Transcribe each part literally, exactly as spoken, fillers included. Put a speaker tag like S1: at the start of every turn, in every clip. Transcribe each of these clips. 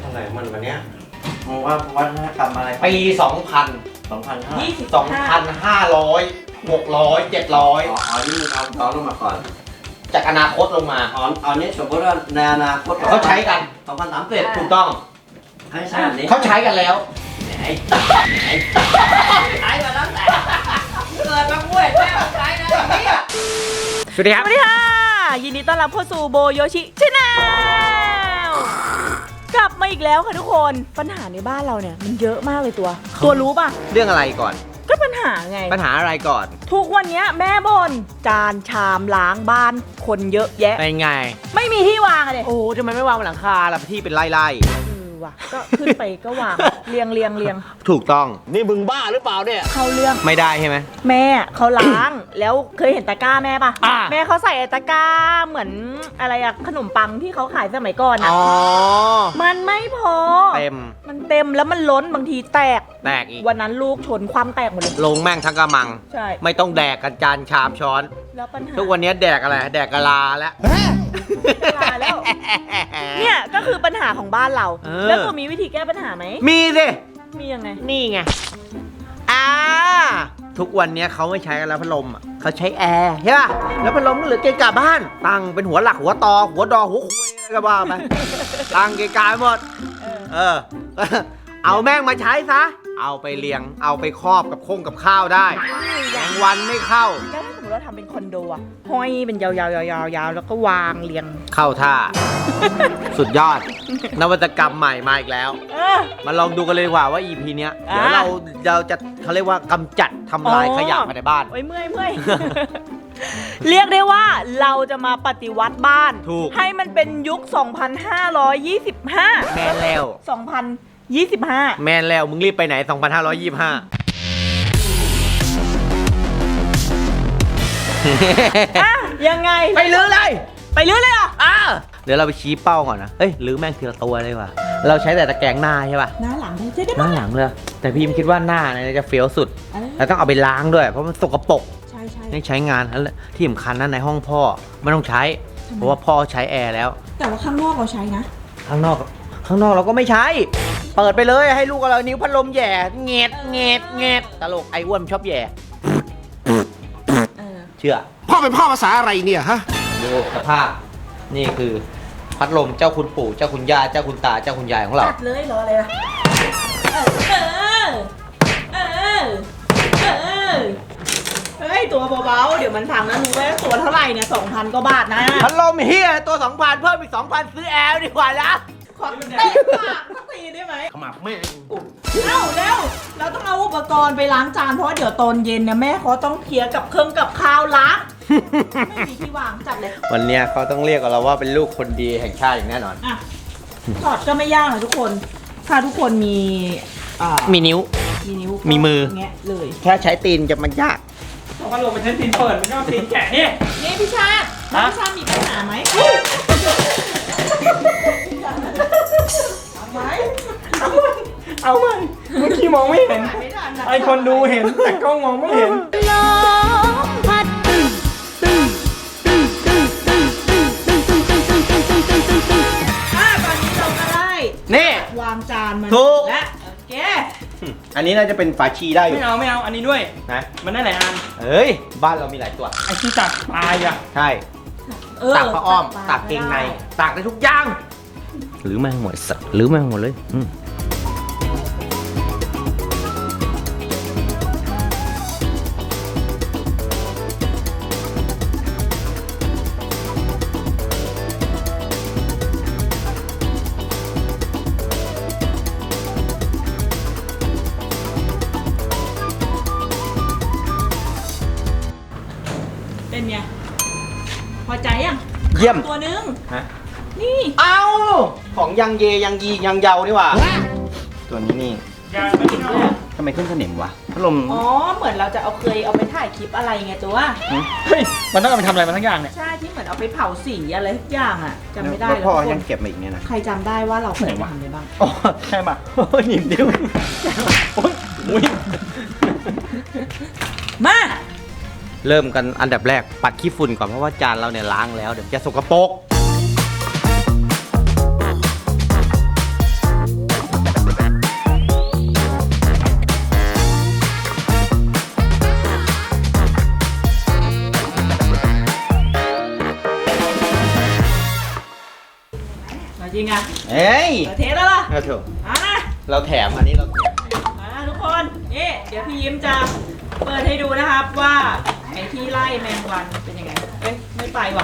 S1: อะไรมันวันเนี้ย
S2: มองว่าวัฒนธรรมอะไร
S1: ปีสองพัน
S2: สองพันห้า
S3: ยี่สิบ
S1: สองพันห้าร้อยหกร้อยเจ็ดร้อย
S2: อ๋ออ๋อนี่มันเอาย้อนลงมาก่อน
S1: จากอนาคตลงมา
S2: อ๋ออันนี้สมมติว่าในอนาคต
S1: เขาใช้กัน
S2: สองพันสามสิบ
S1: ถูกต้อง
S2: ให้ใช่อันนี้
S1: เขาใช้กันแล้ว
S2: ไอ้
S3: ใช้มาตั้งแต่เกิดมาป่วยแม่ใช้นะอย่างนี้
S1: สวัสดีครับ
S3: สวัสดีค่ะ ยินดีต้อนรับเข้าสู่โบโยชิชาแนลกลับมาอีกแล้วค่ะทุกคนปัญหาในบ้านเราเนี่ยมันเยอะมากเลยตัว ตัวรู้ป่ะ
S1: เรื่องอะไรก่อน
S3: ก็ปัญหาไง
S1: ปัญหาอะไรก่อน
S3: ทุกวันเนี้ยแม่บนจานชามล้างบ้านคนเยอะแยะ
S1: เป็นไง
S3: ไม่มีที่วางอะเลย
S1: โอ้ทำไมไม่วางบนหลังคาล่ะที่เป็นไร่
S3: เออว่ะก็ขึ้นไปก็วาง เรียงเรียงเรียง
S1: ๆถูกต้อง นี่มึงบ้าหรือเปล่าเนี่ย
S3: เข้าเรื่อง
S1: ไม่ได้ใช่ไหม
S3: แม่เขาล้าง แล้วเคยเห็นตะกร้าแม่ปะ
S1: อ่า
S3: แม่เขาใส่ไอ้ตะกร้าเหมือนอะไรอะขนมปังที่เขาขายสมัยก่อนอะ
S1: อ๋อ
S3: มันไม่พอ
S1: เต็ม
S3: มันเต็มแล้วมันล้นบางทีแตก
S1: แตกอีก
S3: วันนั้นลูกชนความแตกหมดเลย
S1: ลงแม่งทั้งกระมัง
S3: ใช่
S1: ไม่ต้องแดกกันจานชามช้อน
S3: แล้วปัญหา
S1: ทุกวันนี้แดกอะไร แดกกะลาแล้ว
S3: ลาแล้ว เนี่ยก็คือปัญหาของบ้านเรา
S1: เออ
S3: แล้วตัวมีวิธีแก้ปัญหาไหม
S1: มีสิ
S3: มียังไง
S1: นี่ไง อ่า ทุกวันนี้เขาไม่ใช้กันแล้วพัดลมอ่ะเขาใช้แอร์ใช่ป่ะ แล้วพัดลมก็เหลือเกะกะบ้าน ตั้งเป็นหัวหลักหัวตอ หัวดอหัวคุยอะไรก็ว่าไป ตั้งเกะกะไปหมด
S3: เออ
S1: เออ เอาแม่งมาใช้ซะ เอาไปเลี้ยง เอาไปครอบกับคงกับข้าวได้แมงวันไม่เข้า
S3: แล้วถ้าสมมติเราทำเป็นคอนโดอะห้อยเป็นยาวๆๆๆๆแล้วก็วางเรียง
S1: เข้าท่า สุดยอด นวัตกรรมใหม่มาอีกแล้ว
S3: เออ
S1: มาลองดูกันเลยดีกว่าว่า อี พี เนี้ย เดี๋ยว
S3: อ่ะ
S1: เราเราจะเขาเรียกว่ากำจัดทำลาย
S3: อ๋อ
S1: ขยะภายในบ้าน
S3: โอ้ยเมื่อยเมื่อย เรียกได้ว่าเราจะมาปฏิวัติบ้าน
S1: ถูก
S3: ให้มันเป็นยุค สองพันห้าร้อยยี่สิบห้า
S1: แม่นแล้ว
S3: สองพันยี่สิบห้า
S1: แม่นแล้ว มึงรีบไปไหน สองพันห้าร้อยยี่สิบห้า
S3: อ่ะยังไง
S1: ไปลื้อเลย
S3: ไปลื้อเลยเหรอ
S1: อ่ะเดี๋ยวเราไปชี้เป้าก่อนนะ เอ้ยลื้อแม่งทีละตัวเลยว่ะ เราใช้แต่ตะแกรงหน้าใช่ป่ะ
S3: หน้าหลังได้จะได้
S1: ห
S3: ไหม
S1: น้าหลังเลย แต่พี่มคิดว่าหน้าเนี่ยจะเฟี้ยวสุด
S3: เออ
S1: แล้วต้องเอาไปล้างด้วย เพราะมันสกปรก
S3: ใช่ใช่
S1: ให้ใช้งานแล้วที่สำคัญนะในห้องพ่อไม่ต้องใช้ เพราะว่าพ่อใช้แอร์แล้ว
S3: แต่ว่าข้างนอกเราใช้นะ
S1: ข้างนอก ข้างนอกเราก็ไม่ใช้ เปิดไปเลยให้ลูกเรานิ้วพัดลมแหย่เงดเงดเงดตลกไอ้อ้วนชอบแหย่
S3: เออ
S1: เชื่อ
S4: พ่อเป็นพ่อภาษาอะไรเนี่ยฮะ
S1: ดูสภาพ นี่คือพัดลมเจ้าคุณปู่เจ้าคุณย่าเจ้าคุณตาเจ้าคุณยายของเรา
S3: จัดเลยรออะไรล่ะเออ เออ เออ เฮ้ย ตัวเบาๆ เดี๋ยวมันพังนะรู้ไหมตัวเท่าไหร่เนี่ยสองพันกว่าบาทนะ
S1: พัดลมเฮียตัวสองพันเพิ่มอีกสองพันซื้อแอร์ดีกว่านะ
S3: ขอเตะปากสักทีได้ไหม
S4: ขมับแม่
S3: เอ้าเร็ว เราต้องเอาอุปกรณ์ไปล้างจานเพราะว่าเดี๋ยวตอนเย็นเนี่ยแม่เขาต้องเคลียร์กับเครื่องกับข้าวล้าง ไม่มีที่วางจัดเลย
S1: วันเนี้ยเขาต้องเรียกเราว่าเป็นลูกคนดีแห่งชาติอย่างแน่นอน
S3: อ่ะถอดก็ไม่ยากนะทุกคน ถ้าทุกคนมีอ่า
S1: มีนิ้ว
S3: มีนิ้ว
S1: มีมือ
S3: แงะเลย
S1: แค่ใช้ตีนจะมันยาก
S5: เอาพัดลมไปใช้ตีนเปิดไม่ใช่ว่าตีนแกะนี่
S3: นี่พี่ชาติ
S5: ฮะ
S3: พี่ชาติมีปัญหาไหมเอาไหม
S5: เอาไหมเมื่อกี้มองไม่เห็น
S3: ไม่ทันนะ
S5: ไอคนดูเห็นแต่กล้องมองไม่เห็น
S3: ลมพัดตึ้งตึ้งตึ้งตึ้งตึ้งตึ้งตึ้งตึ้งตึ้งตึ้งตึ้งตึ้งตึ้งตึ้งตึ้งอ่ะตอนนี้เราก็ได้
S1: นี่
S3: วางจานมัน
S1: ถูก
S3: และโอเค
S1: อันนี้น่าจะเป็นฝาชีได้อยู่
S5: ไม่เอาไม่เอาอันนี้ด้วย
S1: นะ
S5: มันได้หลายอัน
S1: เฮ้ย บ้านเรามีหลายตัว
S5: ไอที่ตักปลายอ่ะ
S1: ใช่
S3: เออ
S1: ตากผ้าอ้อม
S3: ปล
S1: ตากเกงใน ตากได้ทุกอย่าง หรือแม่งหมดสัตว์หรือแม่งหมดเลยอืม
S3: เป็นไงพอใจยัง
S1: เยี่ยม
S3: ตัวหนึง
S1: ฮะ
S3: นี่
S1: เอาของยังเยยังยียังเยานี่หว่า ตัวนี้นี่
S5: อย่าไม่เอา
S1: ทำไมขึ้นสนิมวะพัดลม
S3: อ๋อ เหมือนเราจะเอาเคยเอาไปถ่ายคลิปอะไรไงตัว
S5: เฮ้ยมันต้องเอาไปทำอะไรมาทั้งอย่างเนี่ย
S3: ใช่ที่เหมือนเอาไปเผาสีอะไรทุกอย่างอ่ะจำไม่ได้
S1: แล้ว
S3: แล้ว
S1: พ่อ
S3: ทุกค
S1: ยั
S3: น
S1: งเก็บมาอีกเนี่ยนะ
S3: ใครจำได้ว่าเราเคย
S5: ไหนวะ
S3: ทำอะไรบ้าง
S5: อ๋อใช่ป่ะ
S1: โอ้ยหนิมดิ้ว
S5: โอ๊ยมุ้ย
S3: มา
S1: เริ่มกันอันดับแรกปัดขี้ฝุ่นก่อนเพราะว่าจานเราเนี่ยล้างแล้วเดี๋ยวจะสกปรก
S3: ริงอ่ะ
S1: เอ้ย
S3: เปิดเทสแล้วล่ะ
S1: เอาถูก
S3: อ่ะ
S1: เราแถมอันนี้เราแถม
S3: มาทุกคนนี่เดี๋ยวพี่ยิ้มจะเปิดให้ดูนะครับว่าไอ้ที่ไล่แมงวันเป็นยังไงเอ้ยไม่ไปว่ะ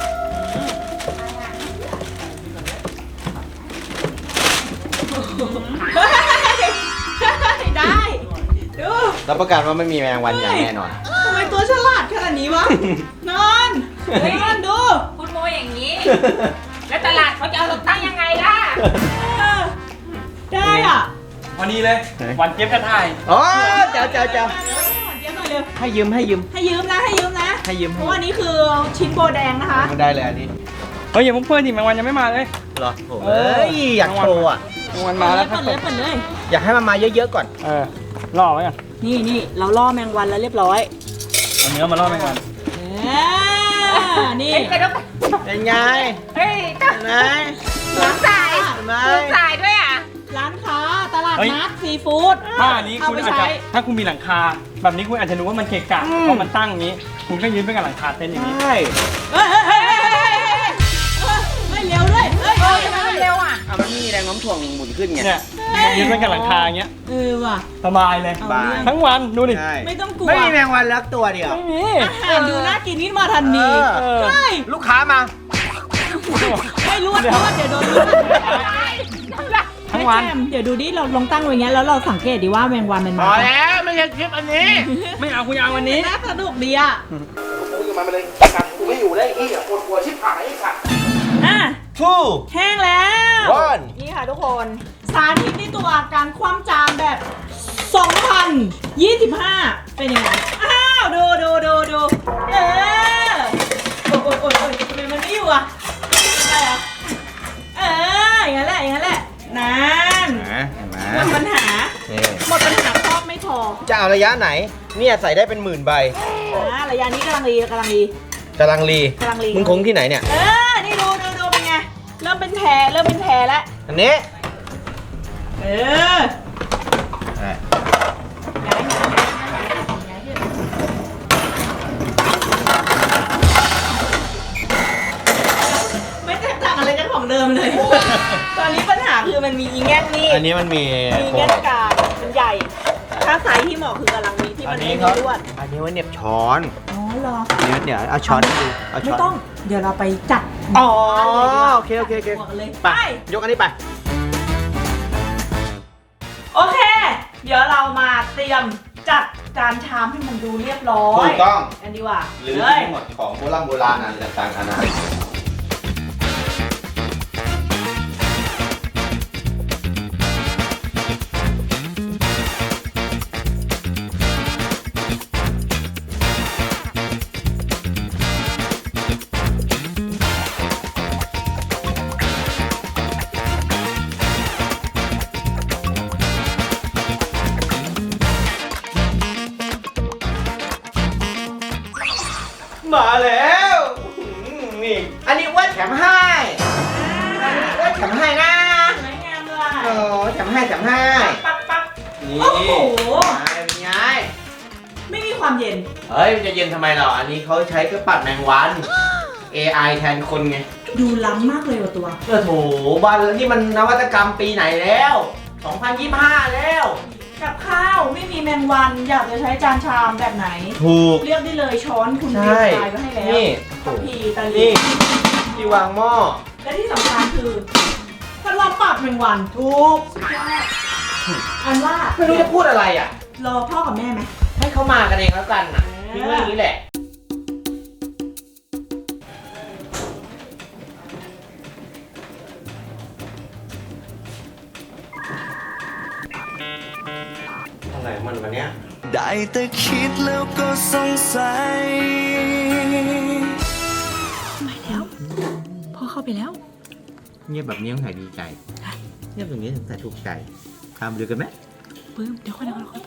S3: ได้ดู
S1: รับประกันว่าไม่มีแมลงวันอย่างแน่นอน
S3: ทำไมตัวฉลาดขนาดนี้วะ นอนนอนดู
S6: คุณโมอย่างนี้ แล้วตลาดเขาจะเอาเราตั้งยังไงล่ะ
S3: เออได้อ่ะ
S5: วันนี้เลย วันเจี๊ยบกระถ่าย
S1: อ๋อเจ้าเจ้าเจ้า
S3: เดี๋ยวหน่อยเร็ว
S1: ให้ยืมให้ยืม
S3: ให้ยืมนะให้ยืมนะ
S1: ให้ยืม
S3: เพราะว่านี่คือชิ้นโบแดงนะคะ
S1: ไม่ได้เลยอันนี้
S5: เฮ้ยอย่าเพิ่งเพื่อนดิแมงวันยังไม่มาเลย
S1: เหรอโอ้ยอยากโชว์อ่ะ
S5: แมงวันมาแล้วค
S3: เปิ
S5: รับ
S3: ดเลยเปิดเลย
S1: อยากให้มันมาเยอะๆก่อน
S5: เออล่อไว้ก่อน
S3: นี่นี่เราล่อแมงวันแล้วเรียบร้อย
S5: เอาเนื้อมาล่อแมงวัน
S3: เออนี่
S6: เฮ้ยกระดก
S1: เป็นไง
S6: เฮ้ย
S1: เห็นไหม
S6: หลังสาย
S1: เห็นไหม
S6: หลังสายด้วยอ่ะ
S3: ร้านค้าตลาดนัดซีฟู้ด
S5: ถ้าอันนี้
S3: เอา
S5: คุณ
S3: ไป
S5: อาจ
S3: ใช้
S5: จะถ้าคุณมีหลังคา แบบนี้คุณอาจจะรู้ว่ามันเกะกะเพราะมันตั้งอย่างนี้ คุณก็ยืนไปกับหลังคาเต็นท์อย่างนี้
S1: ใช่
S3: เฮ้ยเฮ้ยเฮ้ยเฮ้ยเฮ้ยเฮ้ยไม่เร็วด้วยเฮ้ย
S6: เอ
S3: เฮ้
S6: อย ทำไมมันเร็วอ่ะ
S1: อ่ะมันมีแรงโน้มถ่วงหมุนขึ้นไง
S5: เนี่ยยืนไปกับหลังคาอย่างเงี้ย
S3: เออว่ะ
S5: สบายเลย
S3: เอา
S1: บาย
S3: เรื่อง
S5: ทั้งวันดูดิ
S1: ใช่
S3: ไม่ต้องกลัว
S1: ไม่มีแมงวันลักตัวเดียว
S5: ไม่มี
S3: อาหารดูน่ากินขึ้นมาทันที
S1: เออ
S3: ใช่
S1: ลูกค้ามา
S3: ไม่รู้ว่าเพราะว่าเดี๋ยวโดน
S5: ทั้งวัน
S3: แม่แจมเดี๋ยวดูดิเราลองตั้งไว้อย่างเงี้ยแล้วเราสังเกตดิว่าแมงวันมัน
S1: พ
S3: มา
S1: อแล้วไม่ใช่คลิปอันนี้
S5: ไม่เอาคุณเอาวันนี้
S3: น่าสนุกดีอ่ะ
S4: กูจะมาเป็นกันกูไม่อยู่ได้อีกอ่ะปวดหัวชิบหายไอ้สัตว์
S3: อ่ะ
S1: ทู
S3: แห้งแล้ว
S1: One
S3: นี่ค่ะทุกคน สาธิตในตัวการคว่ำจานแบบ สองพันยี่สิบห้า เป็นยังไง อ้าว ดูดูดูดูเออโอ้ยโอ้ยโอ้ยโอ้ยทำไมมันไม่อยู่อ่ะได้เหรอเออ อย่างนั้นแหละ อย่างนั้นแหละ นั่น
S1: เห็นไหม
S3: หมดปัญหา
S1: นี่
S3: หมดปัญหาครอบไม่พอ
S1: จะเอาระยะไหน เนี่ยใส่ได้เป็นหมื่นใบ
S3: อ่าระยะนี้กำลังดีกำลังดี
S1: กำลังรี
S3: กำลังรี
S1: มึงคงที่ไหนเนี่ย
S3: เออ นี่ดูดูดูเป็นไง เริ่มเป็นแผลเริ่มเป็นแผลแล้ว
S1: อันนี้
S3: เออ ไม่แตกต่างอะไรกันของเดิมเลย ตอนนี้ปัญหาคือมันมีอีแง่นนี่
S1: อันนี้มันมี
S3: มีแง่นกลางมันใหญ่ ถ้าไซส์ที่เหมาะคือกำลังมีที่
S1: อั
S3: มัน น
S1: นี้
S3: ไม่
S1: เขา
S3: มีลวด
S1: อันนี้ไว้เหน็บช้อน
S3: อ๋อเหรอ
S1: เดี๋ยวเดี๋ยวเอาช้อนให้ดูเอาช้
S3: ไม่
S1: อน
S3: ต้อง เดี๋ยวเราไปจัด
S1: อ๋อ
S3: บ้านเลยดีกว่า
S1: โอเคโอเคโอเค
S3: บวกกันเลย
S1: ไป
S3: ไป
S1: ยกอันนี้ไป
S3: โอเค เดี๋ยวเรามาเตรียมจัดจานชามให้มันดูเรียบร้อย
S1: ถูกต้อง
S3: กันดีกว่า
S1: หรือ
S3: เฮ้ย
S1: ทั้งหมดของโบราณโบราณอะไรต่างๆนานามาแล้วอื้อหือนี่ อันนี้ว่าแถมให้ อันนี้ว่าแถมให้นะ
S3: สวยงามเลย
S1: โอ้แถมให้แถมให้
S3: ปั๊บปั๊บ
S1: นี่
S3: โอ้โห
S1: เป็นไง
S3: ไม่มีความเย็น
S1: เฮ้ย มันจะเย็นทำไมหรอ อันนี้เขาใช้เครื่องปัดแมงวัน เอ ไอ แทนคนไง
S3: ดูล้ำมากเลยว่ะตัว
S1: เออโถบ้านนี่มันนวัตกรรมปีไหนแล้ว สองพันยี่สิบห้า แล้ว
S3: กับข้าวไม่มีแมงวัน อยากจะใช้จานชามแบบไหน
S1: ถูก
S3: เลือกได้เลยช้อนคุณ
S1: ใช่
S3: เรียงรายไว้ให้แล้ว
S1: นี่
S3: ทัพพีตะลิ
S1: นี่ที่วางหม้อ
S3: และที่สำคัญคือพัดลมปรับแมงวัน
S1: ถูก
S3: สุดยอดอันว่า
S1: ไม่รู้จะพูดอะไรอ่ะ
S3: รอพ่อกับแม่ไหม
S1: ให้เขามากันเองแล้วกันน่ะทิ้งไว้อย่างนี้แหละ อะไรมันวันเนี้ย
S7: ได้แต่คิดแล้วก็สงสัย
S3: ไม่แล้วพ่อเข้าไปแล้ว
S1: เงียบแบบนี้ต้องใส่ดีใจ เงียบแบบนี้ถึงใส่ถูกใจทำดูกันไหม
S3: ปื้มเดี๋ยวค่อยเดี๋ยวค่อย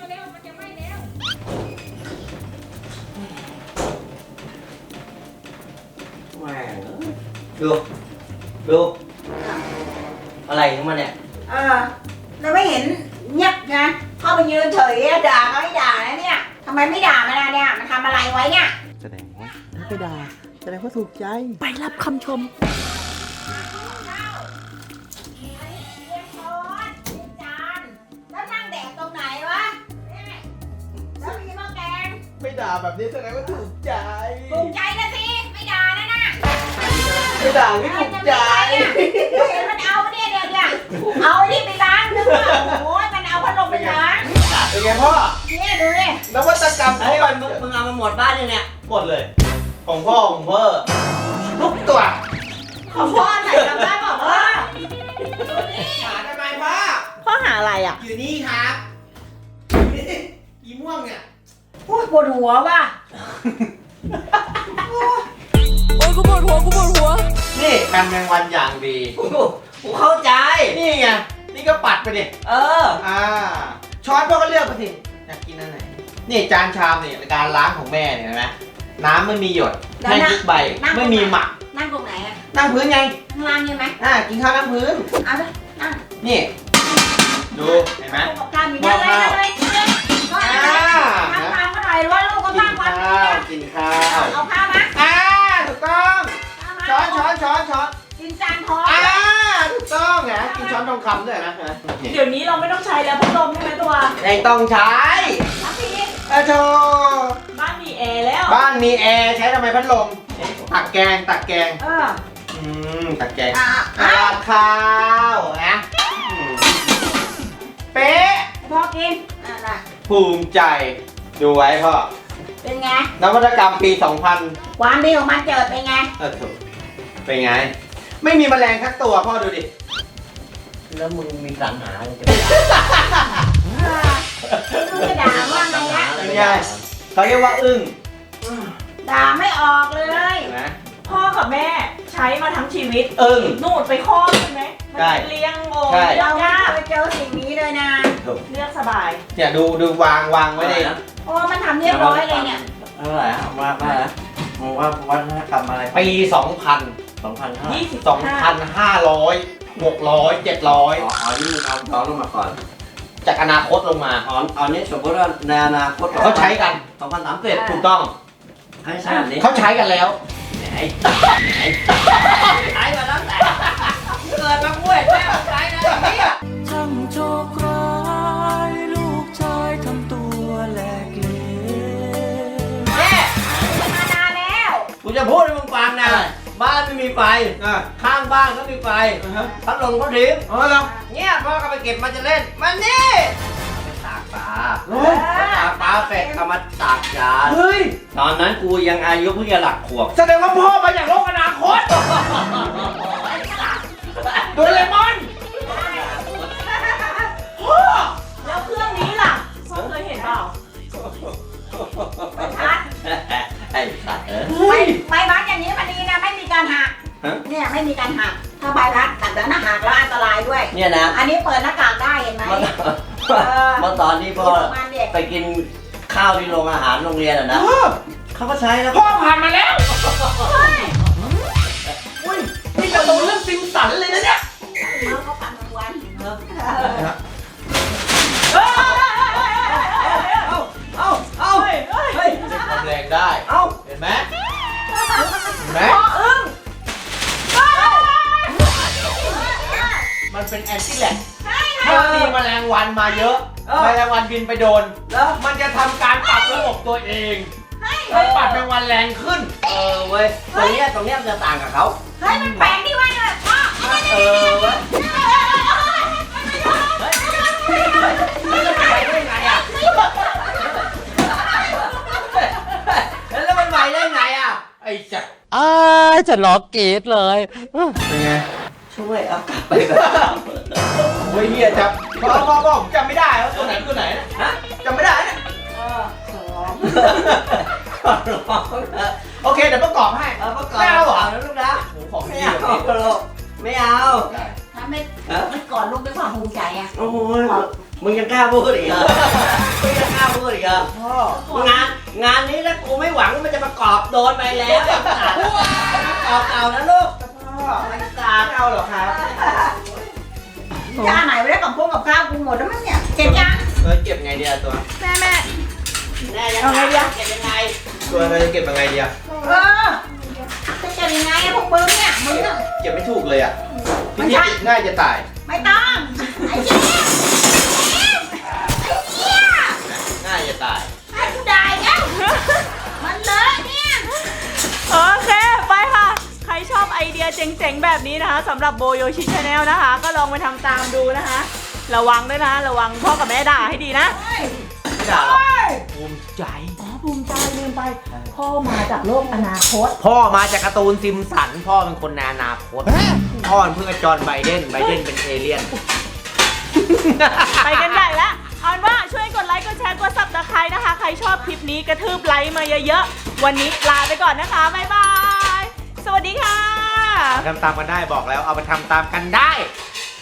S1: แหม่ดูดูอะไรของมันเนี่ย
S6: เออเราไม่เห็นเงียบนะเข้าไปยืนเฉยอะด่าเขาไม่ด่านะเนี่ยทำไมไม่ด่ามันนะเนี่ยมันทำอะไรไว้เนี่ย
S1: แสดงว่าไม่ด่าแสดงว่าถูกใจ
S3: ไปรับคำชม
S1: ด่าแบบนี้แสดงว่าถูกใจ
S6: ถูกใจนะสิไม่ด่านะนะ
S1: ไม่ด่าไม่ถูกใจ
S6: เห็นมันเอาเนี่ยเนี่ยเนี่ยเอาไอ้นี่ไปล้างนึกว่าโอ้ยมันเอาพัดลมไปล้าง
S1: เป็นไงพ่อ
S6: เนี่ยดูดิ
S1: นวัตกรรม
S2: เฮ้
S1: เขา
S2: ย
S1: มั
S2: มัน นมึงมึงเอามาหมดบ้านยังเนี่ย
S1: หมดเลย ของพ่อของพ่อทุกตัว
S3: ของพ่อไหนจำได้บอกว่า
S1: หาทำไมพ่อ
S3: พ่อหาอะไรอ่ะ
S1: อยู่นี่ครับอีม่วงเนี่ย
S6: โอ้ยปวดหัวว่ะ
S1: นี่กันแมงวันอย่างดี
S2: กูกูเข้าใจ
S1: นี่ไง นี่ก็ปัดไปดิ
S2: เออ
S1: อ่า ช้อนพ่อก็เลือกไปสิ อยากกินอันไหน นี่จานชามนี่การล้างของแม่เนี่ยเห็นไหมน้ำไม่มีหยดไม่ยุบใบ ไม่มีหมัก
S6: นั่งตรงไหนอะ
S1: นั่งพื้นไง
S6: ข้างล่างใช่ไหม
S1: อ่า กินข้าวนั่งพื้น
S6: เอาเลยนั่ง
S1: นี่ ดู เห็นไหม
S6: กับข้าวมีนั่งเลยนั่งเลยก็
S1: อ่า
S6: ทำตามก็หน่อยว่าลูกก็
S1: กิ
S6: สร้าง
S1: น
S6: ความ
S1: ข้า
S6: ดี
S1: ว
S6: อะ
S1: กินข้าว
S6: เอาข้าวมา
S1: อ่า ถูกต้อง
S6: ข้าวมา
S1: ช้อนช้อนช้อนช้อน
S6: กินจานทอง
S1: อ่า ถูกต้องนะกินช้อนทองคำด้วยนะนี่
S3: เดี๋ยวนี้เราไม่ต้องใช้แล้วพัดลมใช่ไหมตัว
S1: ไม่ต้องใช้
S6: น้ำพริก
S1: อะโช
S3: บ้านมีแอร์แล้ว
S1: บ้านมีแอร์ใช้ทำไมพัดลม ตักแกง ตักแกง
S6: เออ
S1: อืม ตักแกง
S6: อ่ะ
S1: อ่าข้าวนะอืมเป๊ะ
S6: พอกินอ่ะน่ะ
S1: ภูมิใจ ดูไว้พ่อ
S6: เป็นไง
S1: นวัตกรรมปี สองพัน
S6: ความดีของมันเจิดเป็นไง
S1: เออถูกเป็นไง ไม่มีแมลงทักตัวพ่อดูดิ
S2: แล้วมึงมีสรรหาอะไรจะ
S6: เออลูกจะด่าว่าไงนะ
S1: เป็นไงเขาเรียกว่าอึ้ง
S6: ด่าไม่ออกเลย
S1: เห็นไหม
S3: พ่อกับแม่ใช้มาทั้งชีวิต
S1: อึ้ง
S3: นู่นไปคลอดใช่ไหมมัน
S1: ใช่
S3: เลี้ยงโอ้
S1: ใช่
S3: เลี้ย
S6: เรา
S3: ง
S6: ไม่
S3: ยาก
S6: เคยเจอสิ่งนี้เลยนะ
S3: เลือกสบาย
S1: เนี่ยดูดูวางวางไว้ใน
S6: โอ้มันทำเรียบร้อยเลยเนี่ย
S2: เท่าไหร่อะว่าว่านะมึงว่าวัฒนธรรมอะไร
S1: ปี สองพัน
S2: สองพันเท่าไหร่
S3: ยี่สิบ
S1: สองพันห้าร้อย หกร้อย เจ็ดร้อย
S2: อ๋ออ๋อนี่มึงเอาย้อนลงมาก่อน
S1: จากอนาคตลงมา
S2: อ๋ออ๋อนี่สมมติว่าในอนาคต
S1: เขาใช้กัน
S2: สองพันสามสิบ
S1: ถูกต้อง
S2: ให้ใช้แบบนี้
S1: เขาใช้กันแล้ว
S2: ไอ้ไอ้ใช้มาตั้งแต่เกิดมาป่วยแม่ใช้นะไอ้เนี่ย
S7: ช่างโชคร้ายลูกชายทำตัวแหลกเหลว
S6: แม่มานานแล้ว
S2: กูจะพูดให้มึงฟังนะ บ้านไม่มีไฟ
S1: อ่า
S2: ข้างบ้านก็มีไฟ
S1: อ่าฮะ
S2: พัดลมก็ทิ้ง
S1: อ๋อเหรอ
S2: เนี่ยพ่อก็ไปเก็บมาจะเล่น มันนี่ไปตากปลา
S1: เฮ้ย
S2: ตากปลาเสร็จเอามาตากจาน
S1: เฮ้ย
S2: ตอนนั้นกูยังอายุเพิ่งจะหลักขวบ
S1: แสดงว่าพ่อมาจากโลกอนาคตโดเรมอนพ่อ
S3: แล้วเครื่องนี้ล่ะพ่อเคยเห็นเปล่า
S6: พัด
S2: ไอ้สัตว์เออ
S6: ไม่ไม่พัดอย่างนี้มันดีนะไม่มีการหัก
S2: ฮะ
S6: เนี่ยไม่มีการหัก ถ้าใบพัดตัดแล้วนะหักแล้วอันตรายด้วย
S2: เนี่ยนะ
S6: อันนี้เปิดหน้ากากได้เห็นไหม
S2: เมื่อ
S6: เออ
S2: เมื่อตอนที่พ่อ
S6: ประมาณเด็ก
S2: ไปกินข้าวที่โรงอาหารโรงเรียนอ่ะนะ
S1: พ่อ
S2: เขาก็ใช้แล้ว
S1: พ่อผ่านมาแล้วอุ้ยนี่การ์ตูนเรื่องซิมสันเลยนะเนี่ย
S6: เขาเขาปั่นทุกวัน
S3: เฮ้ย
S2: เอาเอาเอา
S3: เฮ้ยเฮ้ย
S2: เฮ้ย
S1: เป็นความแรงได้
S2: เอา
S1: เห็นไหมเห็นไหม
S3: พ่ออึ้งเฮ้ย
S1: มันเป็นแอนตี้แลกถ้ามีแมลงวันมาเยอะ แมลงวันบินไปโดน
S2: แล้ว
S1: มันจะทำการปรับระบบตัวเองให้ปัดแมลงวันแรงขึ้น
S2: เออเว้ยตรงเนี้ยตรงเนี้ยมันจะต่างกับเขา
S6: เฮ้ยมันแปลกที่ว่าเนี่ยพ่อ
S2: เออเว้ยเฮ้ยเฮ้ยแล้วมันไปได้ไงอ่ะแล้วมันไปได้ไงอ่ะ
S1: ไอ้จัก
S7: อ้ายจะล็อกเกตเลย
S1: เป็นไง
S2: ช่วยเอากลับไปแบบ
S1: โอ้ยเฮียจับพ่อพ่อพ่อผมจำไม่ได้ว่าตัวไหนตัวไหนนะ
S2: ฮะ
S1: จำไม่ได้เนี่ย
S6: เออสอง
S2: ขอร้องนะ
S1: โอเคเดี๋ยวประกอบให้
S2: เอาประกอบ
S1: ไม่เอาเหรอ
S2: นะลูกนะ
S1: โอ้ของ
S2: ไม่
S1: ดี
S2: เอา
S1: แบบนี้
S2: ลูกไม่เอา
S6: ถ้าไม่ไม่ก่อนลูกด้วยความภูมิใจอะ
S2: โอ้ยมึงยังกล้าพูดอีกเหรอมึงยังกล้าพูดอีกเหรอ
S1: พ่อ
S2: งานงานนี้ถ้ากูไม่หวังว่ามันจะประกอบโดนไปแล้วไอ้สัตว์ประกอบเก่านะลูก
S1: พ่อไม่เอาเหรอครับ
S6: จ้าไหนไม่ได้กับพวกกับข้าวกูหมดแล้วมั้งเนี่ยเก็บยัง
S1: เออเก็บไงดีอะตัว
S6: แม่แม่
S2: แน่ยังไงอะเก็บยังไง
S1: ตัวเราจะเก็บยังไงดีอะ
S6: เออจะเก็บยังไงอะพวกมึงเนี่ยมึงอะ
S1: เก็บไม่ถูกเลยอะ
S6: มั
S1: พี่
S6: น
S1: พี่
S6: ใช่
S1: ง่ายจะตาย
S6: ไม่ต้องไอ้เจี๊ยบไอ้เจี๊ยบ
S1: ง่ายจะตาย
S6: ไอ้กูได้แล้ว
S3: เจ๋งๆแบบนี้นะคะสำหรับโบโยชิชาแนลนะคะ ก็ลองไปทำตามดูนะคะ ระวังด้วยนะระวังพ่อกับแม่ด่าให้ดีนะ
S1: ไม่ด่าหรอกภูมิใจ
S3: อ๋อภูมิใจลืมไป พ่อมาจากโลกอนาคต
S1: พ่อมาจากการ์ตูนซิมสัน พ่อเป็นคนในอนาคต พ่อเป็นเพื่อนกับจอห์นไบเดน ไบเดนเป็นเอเลี่ยน
S3: ไปกันใหญ่ละเอาเป็นว่าช่วยกดไลค์กดแชร์กดซับสไครต์นะคะ ใครชอบคลิปนี้กระทืบไลค์มาเยอะๆ วันนี้ลาไปก่อนนะคะบ๊ายบาย สวัสดีค่ะ
S1: ทำตามกันได้บอกแล้วเอาไปทำตามกันได้